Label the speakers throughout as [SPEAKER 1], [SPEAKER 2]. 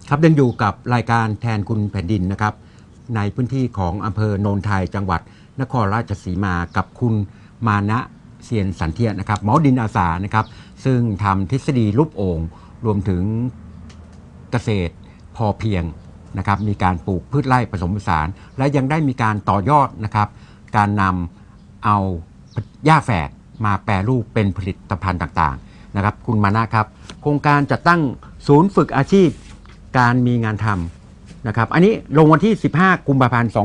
[SPEAKER 1] ครับยังอยู่กับรายการแทนคุณแผ่นดินนะครับในพื้นที่ของอำเภอโนนไทยจังหวัดนครราชสีมากับคุณมานะเซียนสันเทียนะครับหมอดินอาสานะครับซึ่งทำทฤษฎีรูปโอ่งรวมถึงเกษตรพอเพียงนะครับมีการปลูกพืชไร่ผสมผสานและยังได้มีการต่อยอดนะครับการนำเอาหญ้าแฝกมาแปรรูปเป็นผลิตภัณฑ์ต่างๆนะครับคุณมานะครับโครงการจัดตั้งศูนย์ฝึกอาชีพการมีงานทำนะครับอันนี้ลงวันที่15กุมภาพันธ์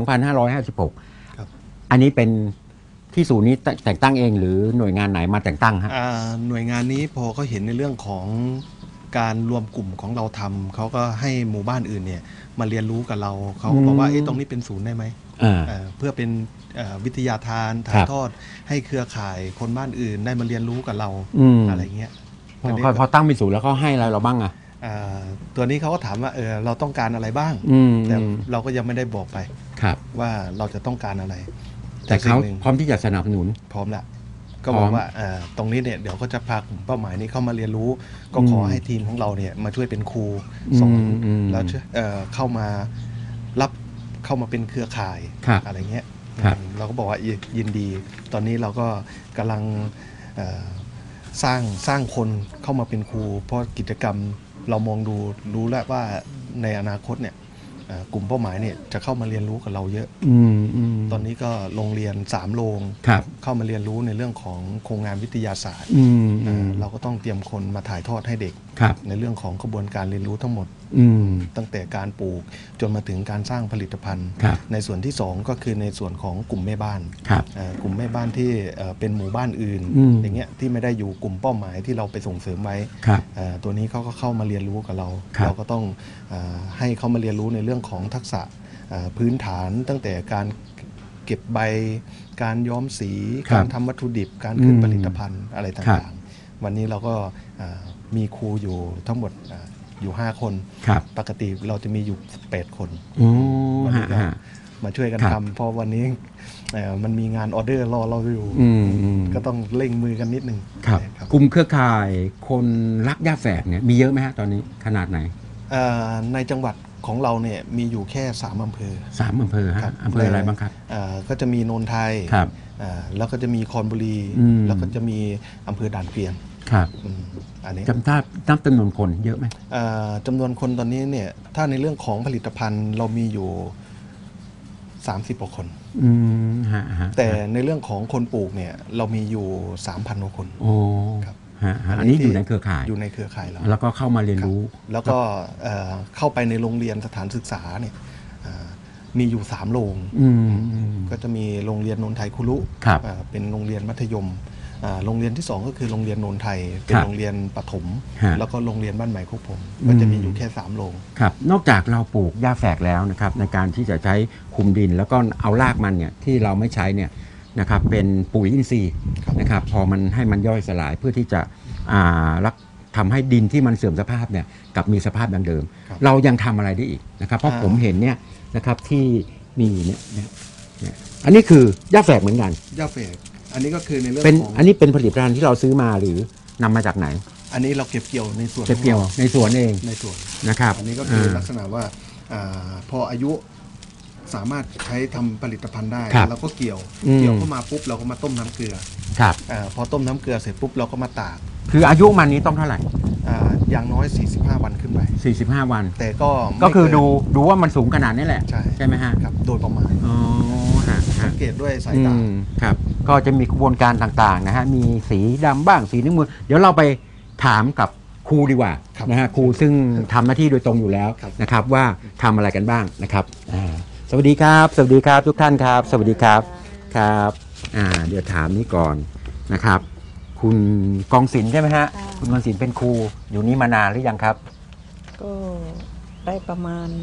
[SPEAKER 1] 2556
[SPEAKER 2] ครับ
[SPEAKER 1] อันนี้เป็นที่ศูนย์นี้แต่งตั้งเองหรือหน่วยงานไหนมาแต่งตั้งฮะ
[SPEAKER 2] หน่วยงานนี้พอเขาเห็นในเรื่องของการรวมกลุ่มของเราทำเขาก็ให้หมู่บ้านอื่นเนี่ยมาเรียนรู้กับเราเขาบอกว่าตรงนี้เป็นศูนย์ได้ไหมเพื่อเป็นวิทยาทานถ่ายทอดให้เครือข่ายคนบ้านอื่นได้มาเรียนรู้กับเราอะไรเงี้ย
[SPEAKER 1] พอตั้งเป็นศูนย์แล้วเขาให้อะไรเราบ้างอะ
[SPEAKER 2] ตัวนี้เขาก็ถามว่าเราต้องการอะไรบ้างแต่เราก็ยังไม่ได้บอกไปว่าเราจะต้องการอะไร
[SPEAKER 1] แต่เขาพร้อมที่จะสนับสนุน
[SPEAKER 2] พร้อมแล้วก็บอกว่าตรงนี้เนี่ยเดี๋ยวก็จะพากลุ่มเป้าหมายนี้เข้ามาเรียนรู้ก็ขอให้ทีมของเราเนี่ยมาช่วยเป็นครูสอนแล้วเข้ามารับเข้ามาเป็นเครือข่ายอะไรเงี้ยเราก็บอกว่ายินดีตอนนี้เราก็กำลังสร้างคนเข้ามาเป็นครูเพราะกิจกรรมเรามองดูรู้แล้วว่าในอนาคตเนี่ยกลุ่มเป้าหมายเนี่ยจะเข้ามาเรียนรู้กับเราเยอะตอนนี้ก็โรงเรียน3โรงเข้ามาเรียนรู้ในเรื่องของโครงงานวิทยาศาสตร์เราก็ต้องเตรียมคนมาถ่ายทอดให้เด็กในเรื่องของกระบวนการเรียนรู้ทั้งหมดตั้งแต่การปลูกจนมาถึงการสร้างผลิตภัณฑ์ในส่วนที่2ก็คือในส่วนของกลุ่มแม่บ้านกลุ่มแม่บ้านที่เป็นหมู่บ้านอื่นอย่างเงี้ยที่ไม่ได้อยู่กลุ่มเป้าหมายที่เราไปส่งเสริมไว้ตัวนี้เขาก็เข้ามาเรียนรู้กับเราเราก็ต้องให้เขามาเรียนรู้ในเรื่องของทักษะพื้นฐานตั้งแต่การเก็บใบการย้อมสีการทำวัตถุดิบการขึ้นผลิตภัณฑ์อะไรต่างๆวันนี้เราก็มีครูอยู่ทั้งหมดอยู่5คนปกติเราจะมีอยู่8คนวันนี้ก็มาช่วยกันทำเพราะวันนี้มันมีงานออเดอร์รอเราอยู่ก็ต้องเร่งมือกันนิดนึง
[SPEAKER 1] กลุ่มเครือข่ายคนรักหญ้าแฝกเนี่ยมีเยอะไหมฮะตอนนี้ขนาดไหน
[SPEAKER 2] ในจังหวัดของเราเนี่ยมีอยู่แค่3อำเภอ
[SPEAKER 1] 3อำเภอฮะอำเภออะไรบ้างครับ
[SPEAKER 2] ก็จะมีโนนไทยแล้วก็จะมีคอนบุรีแล้วก็จะมีอำเภอด่านเกวียน
[SPEAKER 1] ครับอันนี้นับจำนวนคนเยอะไหม
[SPEAKER 2] จำนวนคนตอนนี้เนี่ยถ้าในเรื่องของผลิตภัณฑ์เรามีอยู่30กว่าคนแต่ในเรื่องของคนปลูกเนี่ยเรามีอยู่ 3,000 กว่าคน
[SPEAKER 1] ครับอันนี้อยู่ในเครือข่าย
[SPEAKER 2] เรา
[SPEAKER 1] แล้วก็เข้ามาเรียนรู้
[SPEAKER 2] แล้วก็เข้าไปในโรงเรียนสถานศึกษาเนี่ยมีอยู่3โรงก็จะมีโรงเรียนนนไทยคุรุเป็นโรงเรียนมัธยมโรงเรียนที่2ก็คือโรงเรียนนนไทยเป็นโรงเรียนประถมแล้วก็โรงเรียนบ้านใหม่คุกผมก็จะมีอยู่แค่3โรง
[SPEAKER 1] ครับนอกจากเราปลูกหญ้าแฝกแล้วนะครับในการที่จะใช้คุมดินแล้วก็เอารากมันเนี่ยที่เราไม่ใช้เนี่ยนะครับเป็นปุ๋ยอินทรีย์นะครับพอมันให้มันย่อยสลายเพื่อที่จะทำให้ดินที่มันเสื่อมสภาพเนี่ยกลับมีสภาพดังเดิมเรายังทำอะไรได้อีกนะครับเพราะผมเห็นเนี่ยนะครับที่มีเนี่ยอันนี้คือหญ้าแฝกเหมือนกัน
[SPEAKER 2] หญ้าแฝกอันนี้ก็คือในเรื่อง
[SPEAKER 1] ของอันนี้เป็นผลิตภัณฑ์ที่เราซื้อมาหรือนำมาจากไหน
[SPEAKER 2] อันนี้เราเก็บเกี่ยวในสวน
[SPEAKER 1] เก็บเกี่ยวในสวนเอง
[SPEAKER 2] ในสวน
[SPEAKER 1] นะครับ
[SPEAKER 2] อันนี้ก็คือลักษณะว่าพออายุสามารถใช้ทำผลิตภัณฑ์ได้เราก็เกี่ยวเข้ามาปุ๊บเราก็มาต้มน้ำเกลือ
[SPEAKER 1] ครับ
[SPEAKER 2] พอต้มน้ำเกลือเสร็จปุ๊บเราก็มาตาก
[SPEAKER 1] คืออายุมันนี้ต้องเท่าไหร่
[SPEAKER 2] อย่างน้อย45วันขึ้นไป
[SPEAKER 1] 45วัน
[SPEAKER 2] แต่
[SPEAKER 1] ก็คือดูว่ามันสูงขนาดนี้แหละใช่ไหมฮะ
[SPEAKER 2] ครับโดยประมาณสังเกตด้วยสายตา
[SPEAKER 1] ครับก็จะมีกระบวนการต่างๆนะฮะมีสีดำบ้างสีน้ำมือเดี๋ยวเราไปถามกับครูดีกว่านะฮะครูซึ่งทำหน้าที่โดยตรงอยู่แล้วนะครับว่าทำอะไรกันบ้างนะครับสวัสดีครับสวัสดีครับทุกท่านครับสวัสดีครับครับเดี๋ยวถามนี้ก่อนนะครับคุณกองศิลป์ใช่ไหมฮะคุณกองศิลป์เป็นครูอยู่นี่มานานหรือยังครับ
[SPEAKER 3] ก็ได้ประมาณ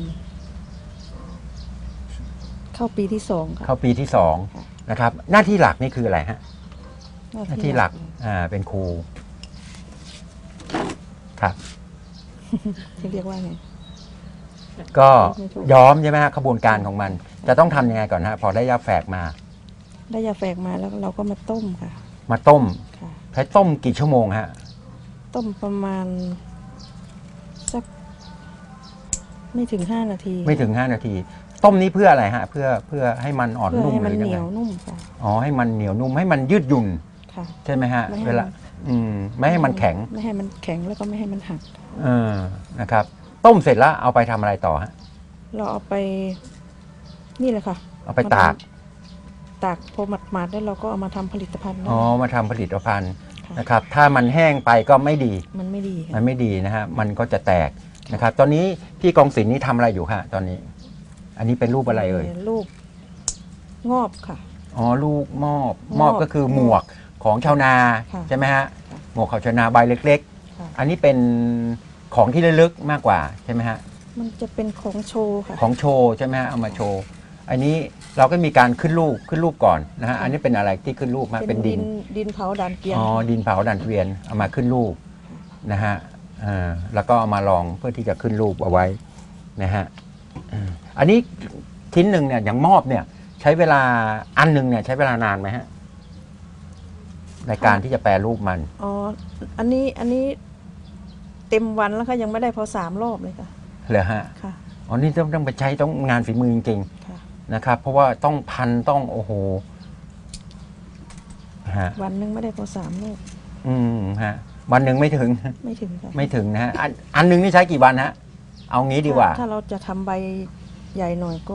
[SPEAKER 3] เข้าปีที่2ครับ
[SPEAKER 1] เข้าปีที่2นะครับหน้าที่หลักนี่คืออะไรฮะหน้าที่หลักเป็นครูครับ
[SPEAKER 3] ที่เรียกว่าไง
[SPEAKER 1] ก็ย้อมใช่ไหมฮะขบวนการของมันจะต้องทำยังไงก่อนฮะพอได้ยาแฝกมา
[SPEAKER 3] ได้ยาแฝกมาแล้วเราก็มาต้มค่ะ
[SPEAKER 1] มาต้มใช้ต้มกี่ชั่วโมงฮะ
[SPEAKER 3] ต้มประมาณสักไม่ถึง 5 นาที
[SPEAKER 1] ไม่ถึง 5 นาที ต้มนี้เพื่ออะไรฮะเพื่อให้มันอ่อน
[SPEAKER 3] เพื่อ
[SPEAKER 1] นุ่ม
[SPEAKER 3] ให้
[SPEAKER 1] ห
[SPEAKER 3] มัน
[SPEAKER 1] รือ
[SPEAKER 3] เห
[SPEAKER 1] ยัง
[SPEAKER 3] นี
[SPEAKER 1] ไง
[SPEAKER 3] ยวนุ่มค่ะ
[SPEAKER 1] อ๋อให้มันเหนียวนุ่มให้มันยืดหยุ่น
[SPEAKER 3] ค่ะ
[SPEAKER 1] ใช่ไหมฮะ
[SPEAKER 3] ไม่ให้
[SPEAKER 1] เวลาไม่ให้มันแข็ง
[SPEAKER 3] ไม่ให้มันแข็งแล้วก็ไม่ให้มันหัก
[SPEAKER 1] นะครับต้มเสร็จแล้วเอาไปทำอะไรต่อฮะ
[SPEAKER 3] เราเอาไปนี่เลยค่ะ
[SPEAKER 1] เอาไปตาก
[SPEAKER 3] ตากพอหมาดๆแล้วเราก็เอามาทำผลิตภัณฑ์ได้
[SPEAKER 1] อ๋อมาทำผลิตภัณฑ์
[SPEAKER 3] ค่ะ
[SPEAKER 1] นะครับ ถ้ามันแห้งไปก็ไม่ดี
[SPEAKER 3] มันไม่ดีค่ะ
[SPEAKER 1] มันไม่ดีนะฮะมันก็จะแตกนะครับ ตอนนี้พี่กองศิลป์นี่ทำอะไรอยู่ฮะตอนนี้ อันนี้เป็นรูปอะไรเอ่ย
[SPEAKER 3] ลูกงอบค่ะ
[SPEAKER 1] อ๋อลูกมอบ
[SPEAKER 3] มอบ
[SPEAKER 1] ก็คือหมวกของชาวนา
[SPEAKER 3] ค่ะ
[SPEAKER 1] ใช่ไหมฮะ
[SPEAKER 3] ค่ะ
[SPEAKER 1] หมวกของชาวนาใบเล็ก
[SPEAKER 3] ค่ะ
[SPEAKER 1] ๆ อันนี้เป็นของที่ระลึกมากกว่าใช่ไหมฮะ
[SPEAKER 3] มันจะเป็นของโชว์ค่ะ
[SPEAKER 1] ของโชว์ใช่ไหมฮะเอามาโชว์อันนี้เราก็มีการขึ้นรูปก่อนนะฮะ
[SPEAKER 3] ค่ะ
[SPEAKER 1] อันนี้เป็นอะไรที่ขึ้นรูปฮะเป็นดิน
[SPEAKER 3] ดินเผาด่านเกวียน
[SPEAKER 1] อ๋อดินเผาดันเกวียนเอามาขึ้นรูปนะฮะแล้วก็เอามาลองเพื่อที่จะขึ้นรูปเอาไว้นะฮะอันนี้ชิ้นหนึ่งเนี่ยอย่างมอบเนี่ย ใช้เวลาอันหนึ่งเนี่ยใช้เวลานานไหมฮะในการที่จะแปรรูปมัน
[SPEAKER 3] อ๋ออันนี้เต็มวันแล้วค่ะยังไม่ได้พอ3 รอบเลยค่ะ
[SPEAKER 1] เหรอฮะ
[SPEAKER 3] ค่ะ
[SPEAKER 1] อ๋อนี่ต้องไปใช้ต้องงานฝีมือจริง
[SPEAKER 3] ค่ะ
[SPEAKER 1] ๆนะครับ เพราะว่าต้องพันต้องโอ้โหฮะ
[SPEAKER 3] วันหนึงไม่ได้พอ3 รอบ
[SPEAKER 1] ฮะวันหนึ่งไม่ถึง
[SPEAKER 3] ไม่ถึงค่ะ
[SPEAKER 1] ไม่ถึงนะฮะอันหนึ่งนี่ใช้กี่วันฮะเอางี้ดีกว่า
[SPEAKER 3] ถ้าเราจะทำใบใหญ่หน่อยก็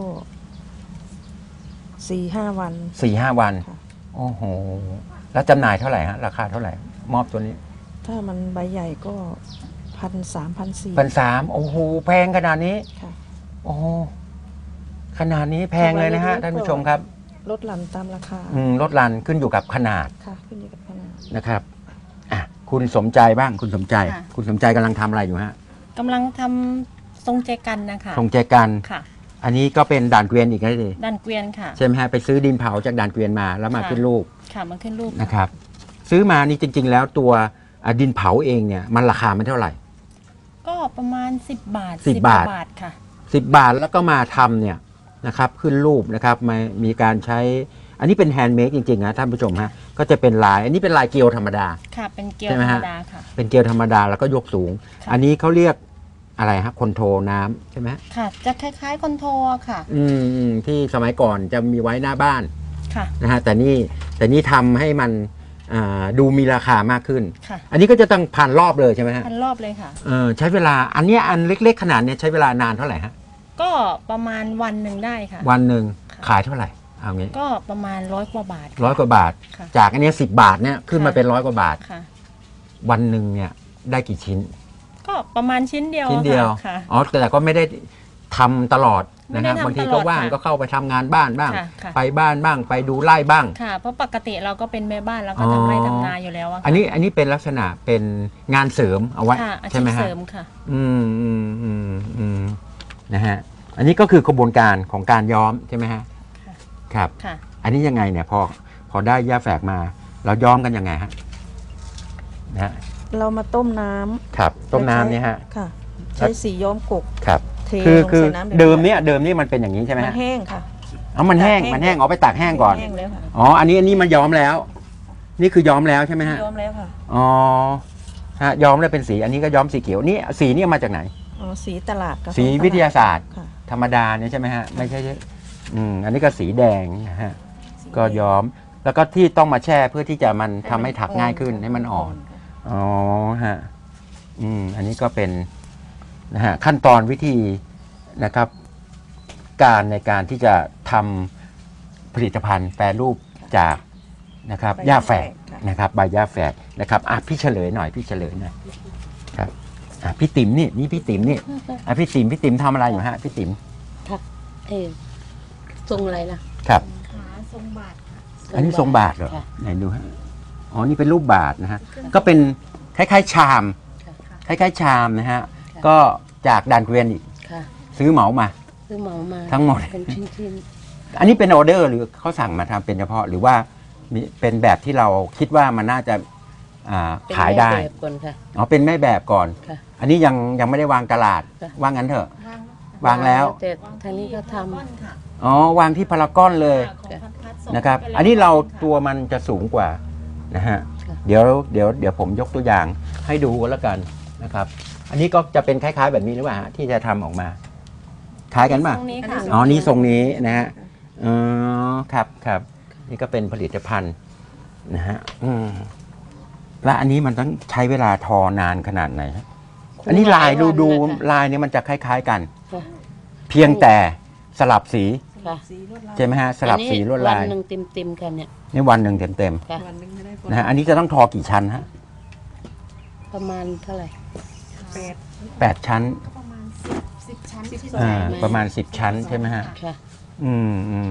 [SPEAKER 3] 4-5 วัน
[SPEAKER 1] 4-5 วัน
[SPEAKER 3] ค่ะ
[SPEAKER 1] โอ้โหแล้วจำหน่ายเท่าไหร่ฮะราคาเท่าไหร่ มอบตัวนี้
[SPEAKER 3] ถ้ามันใบใหญ่ก็1,300-1,400
[SPEAKER 1] 1,300โอ้โหแพงขนาดนี้
[SPEAKER 3] ค่ะ
[SPEAKER 1] โอ้โหขนาดนี้แพงเลยนะฮะ
[SPEAKER 3] ทำไม
[SPEAKER 1] ท่านผู้ชมครับ
[SPEAKER 3] ลดหลั่นตามราคา
[SPEAKER 1] ลดรันขึ้นอยู่กับขนาด
[SPEAKER 3] ค่ะขึ้นอยู่กับขนาด
[SPEAKER 1] นะครับอ่ะคุณสมใจบ้างคุณสมใจ
[SPEAKER 4] ค่ะ
[SPEAKER 1] คุณสมใจกำลังทำอะไรอยู่ฮะ
[SPEAKER 4] กำลังทำทรงแจกันนะคะ
[SPEAKER 1] ทรงแจกัน
[SPEAKER 4] ค่ะ
[SPEAKER 1] อันนี้ก็เป็นด่านเกวียนอีกแล้วดิ
[SPEAKER 4] ดันเกวียนค่ะ
[SPEAKER 1] ใช่ไหมฮะไปซื้อดินเผาจากด่านเกวียนมาแล้วมา
[SPEAKER 4] ค่ะ
[SPEAKER 1] ขึ้นรูป
[SPEAKER 4] ค่ะมาขึ้นรูป
[SPEAKER 1] นะครับ ซื้อมานี่จริง ๆ แล้วตัวดินเผาเองเนี่ยมันราคามันเท่าไหร่
[SPEAKER 4] ก็ประมาณ10 บาท
[SPEAKER 1] 10 บาท
[SPEAKER 4] บาทค่ะ
[SPEAKER 1] 10 บาทแล้วก็มาทำเนี่ยนะครับขึ้นรูปนะครับมีการใช้อันนี้เป็นแฮนด์เมดจริงๆนะท่านผู้ชมฮะก็จะเป็นลายอันนี้เป็นลายเกลียวธรรมดา
[SPEAKER 4] ค่ะ เป็นเกลียว
[SPEAKER 1] ใช่ไหม
[SPEAKER 4] ธรร
[SPEAKER 1] ฮะ
[SPEAKER 4] มดาค่ะ
[SPEAKER 1] เป็นเกลียวธรรมดาแล้วก็ยกสูง
[SPEAKER 4] ค่ะ
[SPEAKER 1] อันนี้เขาเรียกอะไรฮะคอนโทรน้ำใช่ไหม
[SPEAKER 4] ค่ะ จะคล้ายๆคอนโทรค่ะ
[SPEAKER 1] ที่สมัยก่อนจะมีไว้หน้าบ้าน
[SPEAKER 4] ค่ะ
[SPEAKER 1] นะฮะแต่นี่ทำให้มันดูมีราคามากขึ้น
[SPEAKER 4] ค่ะ
[SPEAKER 1] อันนี้ก็จะต้องผ่านรอบเลยใช่ไหมฮะ
[SPEAKER 4] พันรอบเลยค่ะ
[SPEAKER 1] ใช้เวลาอันเนี้ยอันเล็กๆขนาดเนี้ยใช้เวลานานเท่าไหร่ฮะ
[SPEAKER 4] ก็ประมาณวันหนึ่งได้ค่ะ
[SPEAKER 1] วันหนึ่ง
[SPEAKER 4] ค่ะ
[SPEAKER 1] ขายเท่าไหร่เอางี้
[SPEAKER 4] ก็ประมาณ100 กว่าบาท
[SPEAKER 1] 100 กว่าบาท
[SPEAKER 4] ค่ะ
[SPEAKER 1] จากอันเนี้ย10 บาทเนี่ยขึ้นมา
[SPEAKER 4] ค่ะ
[SPEAKER 1] เป็น100 กว่าบาท
[SPEAKER 4] ค่ะ
[SPEAKER 1] วันหนึ่งเนี่ยได้กี่ชิ้น
[SPEAKER 4] ก็ประมาณชิ้นเดียว
[SPEAKER 1] ชิ้นเดียว
[SPEAKER 4] ค่ะ
[SPEAKER 1] อ๋อแต่ก็ไม่ได้ทำตลอด
[SPEAKER 4] ไม่
[SPEAKER 1] นะ
[SPEAKER 4] ได้
[SPEAKER 1] ฮะ
[SPEAKER 4] ทำ
[SPEAKER 1] บางที
[SPEAKER 4] ตล
[SPEAKER 1] ก็
[SPEAKER 4] อด
[SPEAKER 1] ว่าง
[SPEAKER 4] ค่ะ
[SPEAKER 1] ก็เข้าไปทำงานบ้านบ้าง
[SPEAKER 4] ค่ะค่ะ
[SPEAKER 1] ไปบ้านบ้างไปดูไร่บ้าง
[SPEAKER 4] ค่ะ เพราะปกติเราก็เป็นแม่บ้านแล้วก็
[SPEAKER 1] อ๋อ
[SPEAKER 4] ทำไร่ทำนาอยู่แล้วอะค่ะ
[SPEAKER 1] อันนี้เป็นลักษณะเป็นงานเสริมเอาไว้
[SPEAKER 4] ค่ะอาชี
[SPEAKER 1] ใช่ไหม
[SPEAKER 4] พ
[SPEAKER 1] ฮะ
[SPEAKER 4] เสริมค่ะ
[SPEAKER 1] นะฮะอันนี้ก็คือกระบวนการของการย้อมใช่ไหมฮะ
[SPEAKER 4] ค่ะ
[SPEAKER 1] ครับ
[SPEAKER 4] ค่ะ
[SPEAKER 1] อันนี้ยังไงเนี่ยพอได้หญ้าแฝกมาเราย้อมกันยังไงฮะนะฮะ
[SPEAKER 3] เรามาต้มน้ำ
[SPEAKER 1] ครับต้มน้ำเนี่ยฮะ
[SPEAKER 3] ค่ะ ใช้สีย้อมกก
[SPEAKER 1] ครับ
[SPEAKER 3] เท
[SPEAKER 1] คือ
[SPEAKER 3] ลง
[SPEAKER 1] คือ
[SPEAKER 3] ใส่น้ำดือ
[SPEAKER 1] เดิมเนี่ยมันเป็นอย่างนี้ใช่ไหม
[SPEAKER 3] มั
[SPEAKER 1] ฮะ
[SPEAKER 3] นแห้งค่ะ
[SPEAKER 1] อ๋อมันแห้ง
[SPEAKER 3] ตากแห้ง
[SPEAKER 1] มันแห้งเอาไปตากแห้งก่อน
[SPEAKER 3] แห้งแล้วค่ะ
[SPEAKER 1] อ๋ออันนี้มันย้อมแล้ว นี่คือย้อมแล้วใช่ไหมฮะ
[SPEAKER 3] ย้อมแล้วค่ะ
[SPEAKER 1] อ๋อฮะย้อมแล้วเป็นสีอันนี้ก็ย้อมสีเขียวนี่สีนี่มาจากไหน
[SPEAKER 3] อ๋อสีตลาดกับ
[SPEAKER 1] สี
[SPEAKER 3] ของตลด
[SPEAKER 1] วิทยาศาสตร์
[SPEAKER 3] ค่ะ
[SPEAKER 1] ธรรมดาเนี่ยใช่ไหมฮะไม่ใช่อันนี้ก็สีแดงนะฮะก็ย้อมแล้วก็ที่ต้องมาแช่เพื่อที่จะมันทำให้ถักง่ายขึ้นให้มันอ่อนอ๋อฮะอันนี้ก็เป็นนะฮะขั้นตอนวิธีนะครับการในการที่จะทำผลิตภัณฑ์แปรรูปจากนะครับหญ้าแฝกนะครับใบหญ้าแฝกนะครับพี่เฉลยหน่อยครับพี่ติ๋มนี่พี่ติ๋มนี่พี่ติ๋มทำอะไรอยู่ฮะพี่ติ๋ม
[SPEAKER 5] เออทรงอะไรล่ะ
[SPEAKER 1] ครับ
[SPEAKER 4] ขาทรงบาท
[SPEAKER 1] อันนี้ทรงบาทเหรอ
[SPEAKER 5] ค่ะ
[SPEAKER 1] ไหนดูฮะอ๋อนี่เป็นรูปบาทนะฮะก็เป็นคล้ายๆชามคล้ายๆชามนะฮะก็จากด่านเกวียนอีก
[SPEAKER 5] ค่ะ
[SPEAKER 1] ซื้อเหมามา
[SPEAKER 5] ซื้อเหมามา
[SPEAKER 1] ทั้งหมด
[SPEAKER 5] เป็นชิ้น
[SPEAKER 1] อันนี้เป็นออเดอร์หรือเขาสั่งมาทำเป็นเฉพาะหรือว่ามีเป็นแบบที่เราคิดว่ามันน่าจะ
[SPEAKER 5] ๆเป็น
[SPEAKER 1] ขายได้
[SPEAKER 5] แม่แบบก่อนค่ะ
[SPEAKER 1] อ๋อเป็นแม่แบบก่อน
[SPEAKER 5] ค่ะ
[SPEAKER 1] อันนี้ยังไม่ได้วางตลาด
[SPEAKER 5] ค่ะ
[SPEAKER 1] ว่างั้นเถอะ วางแล้ว
[SPEAKER 5] แต่ทางนี้ก็ท
[SPEAKER 1] อ๋อวางที่พารากอนเลยนะครับ อันนี้เราตัวมันจะสูงกว่านะฮะเดี๋ยวผมยกตัวอย่างให้ดูกันแล้วกันนะครับ อันนี้ก็จะเป็นคล้ายๆแบบนี้หรือเปล่าฮะที่จะทำออกมาคล้ายกันป่ะ
[SPEAKER 4] ตรงนี้ค่ะ
[SPEAKER 1] อ๋อนี่ทรงนี้นะฮะอ๋อครับครับนี่ก็เป็นผลิตภัณฑ์นะฮะและอันนี้มันต้องใช้เวลาทอนานขนาดไหนฮะอันนี้ลายดูลายเนี่ยมันจะคล้ายๆกัน
[SPEAKER 5] ค่ะ
[SPEAKER 1] เพียงแต่สลับสี
[SPEAKER 5] ค่ะ
[SPEAKER 3] สีลวดลาย
[SPEAKER 1] ใช่ไหมฮะสลับสีลวดลาย
[SPEAKER 5] วันหนึ่งเต็มๆกันเนี่ย
[SPEAKER 1] นี่วันหนึ่งเต็ม
[SPEAKER 5] ค่ะ
[SPEAKER 3] วันหนึงไม่ได้ผล
[SPEAKER 1] ๆนะฮะอันนี้จะต้องทอกี่ชั้นฮะ
[SPEAKER 5] ประมาณเท่าไหร่
[SPEAKER 1] 8 ชั้น
[SPEAKER 4] ประมาณ10 ชั้นที่
[SPEAKER 1] ประมาณ10 ชั้นใช่ไหมฮะ
[SPEAKER 5] ค่ะ
[SPEAKER 1] อืม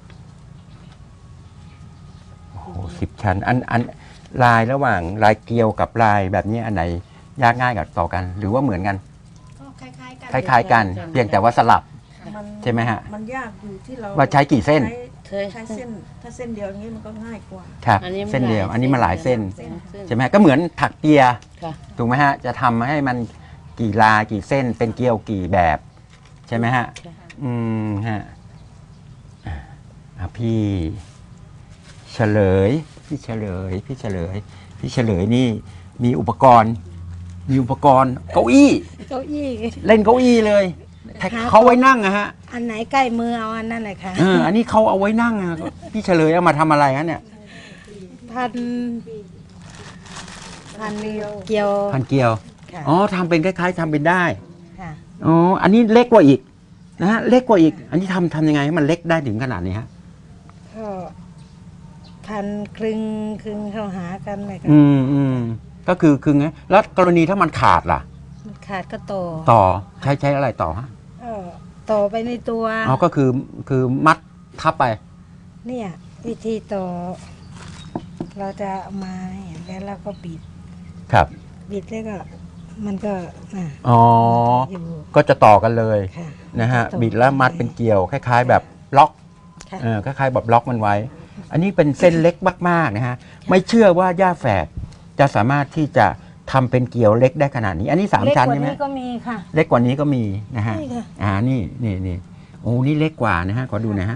[SPEAKER 1] โอ้โห10 ชั้นอันลายระหว่างลายเกลียวกับลายแบบนี้อันไหนยากง่ายกับต่อกัน หรือว่าเหมือนกัน
[SPEAKER 4] ก็คล้ายๆกัน
[SPEAKER 1] คล้าย ๆ กัน เพียงแต่ว่าสลับ
[SPEAKER 3] มัน
[SPEAKER 1] ใช่ไหมฮะ
[SPEAKER 3] มันยากอยู่ที่เรา
[SPEAKER 1] ว่าใช้กี่เส้น
[SPEAKER 3] ใช้เส้นถ้าเส้นเดียวอย่างนี้มันก็ง่ายกว่า
[SPEAKER 1] ครับ
[SPEAKER 5] อันนี้มัน
[SPEAKER 1] เส้นเดียว
[SPEAKER 5] หลาย
[SPEAKER 1] อันนี้มาหลายเส้น
[SPEAKER 5] เส้น
[SPEAKER 1] ใช่ไหมฮะก็เหมือนถักเปีย
[SPEAKER 5] ค่ะ
[SPEAKER 1] ถูกไหมฮะจะทำให้มันกี่ลายกี่เส้น เป็นเกลียวกี่แบบ ใช่ไหมฮะ
[SPEAKER 5] ค่ะ
[SPEAKER 1] ฮะพี่เฉลยนี่มีอุปกรณ์เก้าอี้
[SPEAKER 6] เก้าอี้
[SPEAKER 1] เล่นเก้าอี้เลยเขาไว้นั่งอะฮะ
[SPEAKER 6] อันไหนใกล้มือเอาอันนั้นเลยค่ะ
[SPEAKER 1] อันนี้เขาเอาไว้นั่งอะพี่เฉลยเอามาทำอะไรฮะเนี่ย
[SPEAKER 6] พันเกี่ยว
[SPEAKER 1] พันเกลียว
[SPEAKER 6] ค่ะ
[SPEAKER 1] อ๋อทำเป็นคล้ายๆทำเป็นได้
[SPEAKER 6] ค่ะ
[SPEAKER 1] อ๋ออันนี้เล็กกว่าอีกนะฮะเล็กกว่าอีก อันนี้ทำยังไงให้มันเล็กได้ถึงขนาดนี้ฮะ
[SPEAKER 6] ก็พันคลึงเข้าหากันเลยค่ะ
[SPEAKER 1] ก็คือไงแล้วกรณีถ้ามันขาดล่ะ
[SPEAKER 6] มันขาดก็โต
[SPEAKER 1] ต่อใช้อะไรต่อฮะ
[SPEAKER 6] ต่อไปในตัว
[SPEAKER 1] อ๋อก็คือมัดทับไป
[SPEAKER 6] เนี่ยวิธีต่อ เราจะเอามาแล้วเราก็บิด
[SPEAKER 1] ครับ
[SPEAKER 6] แล้วก็มันก็
[SPEAKER 1] อ๋อ
[SPEAKER 6] อยู่
[SPEAKER 1] ก็จะต่อกันเลย
[SPEAKER 6] ค่ะ
[SPEAKER 1] นะฮะ
[SPEAKER 6] ต่อ
[SPEAKER 1] บิดแล้วมัดเป็นเกลียวคล้าย ๆ แบบล็อก
[SPEAKER 6] ค่ะ
[SPEAKER 1] คล้ายๆแบบล็อกมันไว้ อันนี้เป็นเส้นเล็กมากๆนะฮะไม่เชื่อว่าย่าแฝกจะสามารถที่จะทำเป็นเกลียวเล็กได้ขนาดนี้ อันนี้3 ชั้น
[SPEAKER 6] เล็กกว่า
[SPEAKER 1] ใช่ไหม
[SPEAKER 6] นี้ก็มีค่ะ
[SPEAKER 1] เล็กกว่านี้ก็มีนะฮะ
[SPEAKER 6] นี่ค่ะ
[SPEAKER 1] นี่โอ้นี่เล็กกว่านะฮะขอดูหนะฮะ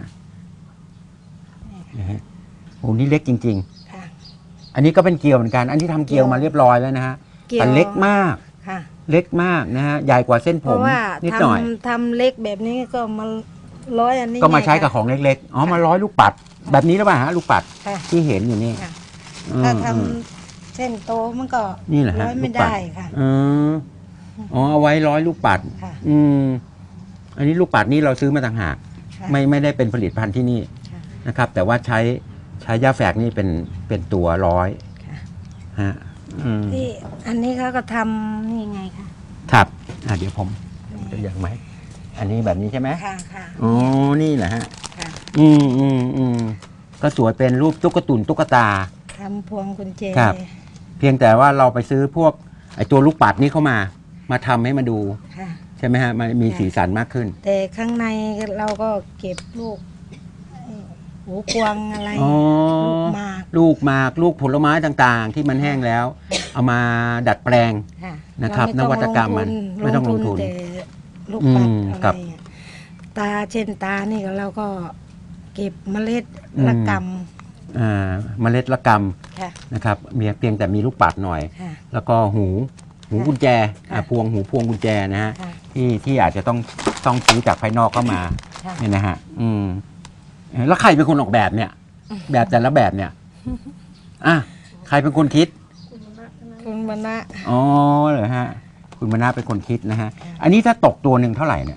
[SPEAKER 1] นะฮะโอ้นี่เล็กจริง
[SPEAKER 6] ค่ะ
[SPEAKER 1] ๆ อันนี้ก็เป็นเกลียวเหมือนกัน อันนี้ทำเกลียวมาเรียบร้อยแล้วนะฮะ
[SPEAKER 6] เกี่ยว
[SPEAKER 1] แต่เล็กมาก
[SPEAKER 6] ค่ะ
[SPEAKER 1] เล็กมากนะฮะใหญ่กว่าเส้นผ
[SPEAKER 6] เพราะ
[SPEAKER 1] ม
[SPEAKER 6] ว่า
[SPEAKER 1] นิดหน่อย
[SPEAKER 6] ทำเล็กแบบนี้ก็มาร้อยอันนี้
[SPEAKER 1] ก็มาใช้กับ
[SPEAKER 6] ไง
[SPEAKER 1] ของเล็กๆอ๋อมาร้อยลูกปัด แบบนี้หรือเปล่าฮะลูกปัด
[SPEAKER 6] ค่ะ
[SPEAKER 1] ที่เห็นอยู่นี่
[SPEAKER 6] ค่ะ
[SPEAKER 1] อืม
[SPEAKER 6] ถ้าท
[SPEAKER 1] อืม
[SPEAKER 6] ำเส้นโตมันก็
[SPEAKER 1] นี่แหละฮะ
[SPEAKER 6] ร้อยไม่
[SPEAKER 1] ลูกปัด
[SPEAKER 6] ได้ค่ะ
[SPEAKER 1] อืมอ๋อเอาไว้ร้อยลูกปัด
[SPEAKER 6] ค่ะ
[SPEAKER 1] อันนี้ลูกปัดนี่เราซื้อมาต่างหาก
[SPEAKER 6] ค่ะ
[SPEAKER 1] ไม่ได้เป็นผลิตภัณฑ์ที่นี่
[SPEAKER 6] ค่ะ
[SPEAKER 1] นะครับ แต่ว่าใช้ย่าแฝกนี่เป็นตัวร้อย
[SPEAKER 6] ค่ะ
[SPEAKER 1] ฮะ
[SPEAKER 6] ที่อันนี้เขาก็ทำนี่ไงค่ะ
[SPEAKER 1] ครับเดี๋ยวผมจะยังไหมอันนี้แบบนี้ใช่ไหม
[SPEAKER 6] ค่ะค่ะ
[SPEAKER 1] อ๋อนี่แหละฮะ
[SPEAKER 6] ค่ะ
[SPEAKER 1] ก็สวยเป็นรูปตุ๊กตุนตุ๊กตา
[SPEAKER 6] ทำพวงกุญแจ
[SPEAKER 1] ครับ เพียงแต่ว่าเราไปซื้อพวกไอตัวลูกปัดนี้เข้ามาทำให้มาดู
[SPEAKER 6] ค่ะ
[SPEAKER 1] ใช่ไหมฮะมันมีสีสันมากขึ้น
[SPEAKER 6] แต่ข้างในเราก็เก็บลูกหูกวางอะไร
[SPEAKER 1] อ๋อ
[SPEAKER 6] ลูกหมาก
[SPEAKER 1] ลูกหมากลูกผลไม้ต่างๆ ที่มันแห้งแล้ว เอามาดัดแปลง
[SPEAKER 6] ค่ะ
[SPEAKER 1] นะครับ
[SPEAKER 6] เา
[SPEAKER 1] นวัตกรรมมันไม่ต้องลงทุน
[SPEAKER 6] แต่ลูกปัด
[SPEAKER 1] ครั
[SPEAKER 6] อะ
[SPEAKER 1] บ
[SPEAKER 6] ไรอะตาเช่นตานี่ก็เราก็เก็บเมล็ด
[SPEAKER 1] อืม
[SPEAKER 6] ละก
[SPEAKER 1] เมล็ดละก
[SPEAKER 6] ำค่ะ
[SPEAKER 1] ำนะครับเพียงแต่มีลูกปัดหน่อย
[SPEAKER 6] ค่ะ
[SPEAKER 1] แล้วก็หูกุญแจ
[SPEAKER 6] ค่ะ
[SPEAKER 1] พวงกุญแจนะฮะ
[SPEAKER 6] ค่ะ
[SPEAKER 1] ที่อาจจะต้องซื้อจากภายนอกเข้ามา
[SPEAKER 6] ค่ะ
[SPEAKER 1] เนี่ยนะฮะแล้วใครเป็นคนออกแบบเนี่ย แบบแต่ละแบบเนี่ยใครเป็นคนคิด
[SPEAKER 6] คุณมณะ
[SPEAKER 1] อ๋อเหรอฮะคุณมนาเป็นคนคิดนะฮะ อันนี้ถ้าตกตัวหนึ่งเท่าไหร่เนี่ย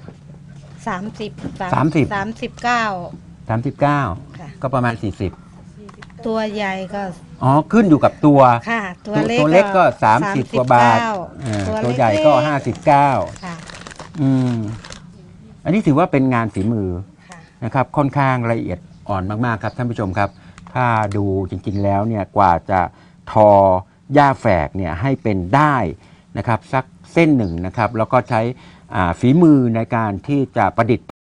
[SPEAKER 6] 30
[SPEAKER 1] 39
[SPEAKER 6] ค่ะ
[SPEAKER 1] ก็ประมาณ
[SPEAKER 6] ตัวใหญ่ก็
[SPEAKER 1] 40อ๋อขึ้นอยู่กับตัว
[SPEAKER 6] ค่ะ ตัว
[SPEAKER 1] ตัวเล็กก็30 กว่าบาท ตัวใหญ่ก็
[SPEAKER 6] ค่ะ
[SPEAKER 1] 59อันนี้ถือว่าเป็นงานฝีมือ
[SPEAKER 6] ค่ะ
[SPEAKER 1] นะครับค่อนข้างละเอียดอ่อนมากๆครับท่านผู้ชมครับ ถ้าดูจริงๆแล้วเนี่ยกว่าจะทอย่าแฝกเนี่ยให้เป็นได้นะครับสักเส้นหนึ่งนะครับแล้วก็ใช้ฝีมือในการที่จะประดิษฐ์